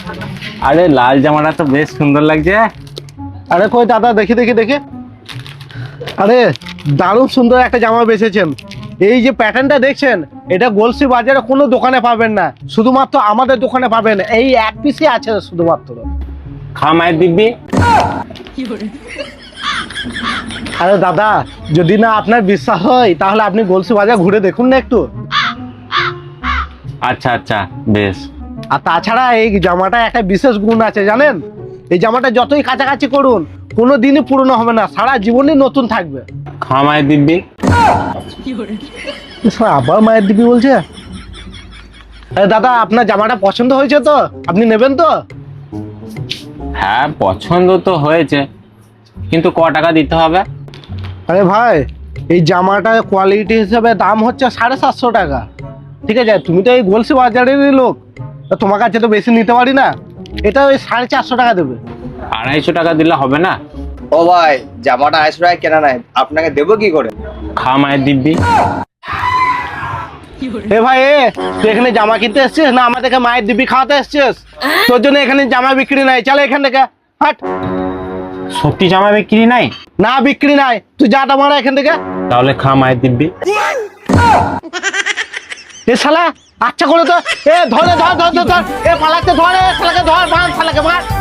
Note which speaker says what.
Speaker 1: আরে লাল জামাটা তো বেশ সুন্দর লাগছে।
Speaker 2: আরে কই দাদা, দেখি দেখি দেখি। আরে দারুণ সুন্দর একটা জামা বেচেছেন। এই যে প্যাটার্নটা দেখছেন, এটা গলসি বাজারে কোনো দোকানে পাবেন না, শুধুমাত্র আমাদের দোকানে পাবেন। এই এক পিসই আছে শুধুমাত্র।
Speaker 1: খা মায়ের দিব্যি।
Speaker 2: আরে দাদা, যদি না আপনার বিশ্বাস হয় তাহলে আপনি গলসি বাজার ঘুরে দেখুন না একটু।
Speaker 1: আচ্ছা আচ্ছা বেশ।
Speaker 2: আর তাছাড়া এই জামাটা একটা বিশেষ গুণ আছে জানেন, এই জামাটা যতই কাছাকাছি করুন কোনো দিনই পুরনো হবে না, সারা জীবনই নতুন থাকবে।
Speaker 1: খা মায়ের দিব্যি।
Speaker 2: আবার মায়ের দিবি বলছে। আরে দাদা, আপনার জামাটা পছন্দ হয়েছে তো? আপনি নেবেন তো?
Speaker 1: হ্যাঁ পছন্দ তো হয়েছে, কিন্তু ক টাকা দিতে হবে?
Speaker 2: আরে ভাই, এই জামাটার কোয়ালিটি হিসেবে দাম হচ্ছে 750 টাকা। ঠিক আছে, তুমি তো এই গলসি বাজারেরই লোক, তা তোমার কাছে তো বেশি নিতে পারি না। এটা ওই 450 টাকা দেবে।
Speaker 1: 250 টাকা দিলে হবে না?
Speaker 3: ও ভাই, জামাটা 250 টাকা কেনা নাই, আপনাকে দেবো কি করে?
Speaker 1: খা মায়ের দিব্যি।
Speaker 2: এ ভাই, তুই এখানে জামা কিনতে এসছিস না আমাদেরকে মায়ের দিবি খাওয়াতে এসছিস? তোর জন্য এখানে জামা বিক্রি নাই, চলে এখান থেকে হাট।
Speaker 1: সত্যি জামা বিক্রি নাই?
Speaker 2: না বিক্রি নাই, তুই যা মারা এখান থেকে।
Speaker 1: তাহলে খা মায়ের দিব্যি।
Speaker 2: এ শালা, আচ্ছা করে তো। এ ধরে ধর ধর ধর ধর, এ পালাতে ধর, এ শালাকে ধর, মার শালাকে মার।